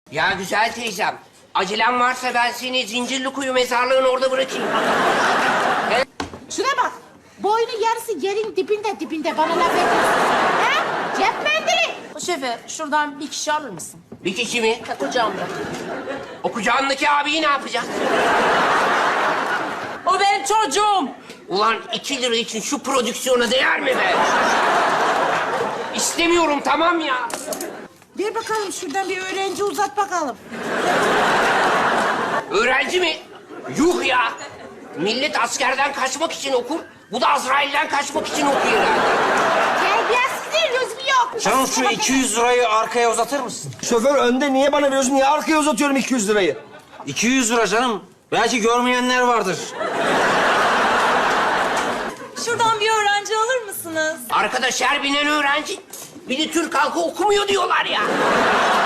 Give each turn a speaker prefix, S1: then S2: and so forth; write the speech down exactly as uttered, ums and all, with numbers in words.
S1: Ya güzel teyzem, acelem varsa ben seni Zincirlikuyu mezarlığın orada bırakayım.
S2: Şuna bak. Boynu yarısı yerin dibinde dibinde bana laf ediyorsun. He? Cep mendili.
S3: Şoför, şuradan bir kişi alır mısın?
S1: Bir kişi mi?
S3: Ha, kucağımda.
S1: O kucağındaki abiyi ne yapacağız?
S3: O benim çocuğum.
S1: Ulan iki lira için şu prodüksiyona değer mi be? İstemiyorum, tamam ya.
S2: Ver bakalım şuradan bir öğrenci uzat bakalım.
S1: Öğrenci mi? Yuh ya! Millet askerden kaçmak için okur, bu da Azrail'den kaçmak için okuyor herhalde.
S2: Terbiyesizliğin lüzumu yok.
S4: Canım şu iki yüz lirayı arkaya uzatır mısın?
S5: Şoför önde, niye bana veriyorsun? Niye arkaya uzatıyorum iki yüz lirayı?
S4: iki yüz lira canım. Belki görmeyenler vardır.
S6: Şuradan bir öğrenci alır mısınız?
S1: Arkadaş her binen öğrenci, bir de Türk halkı okumuyor diyorlar ya.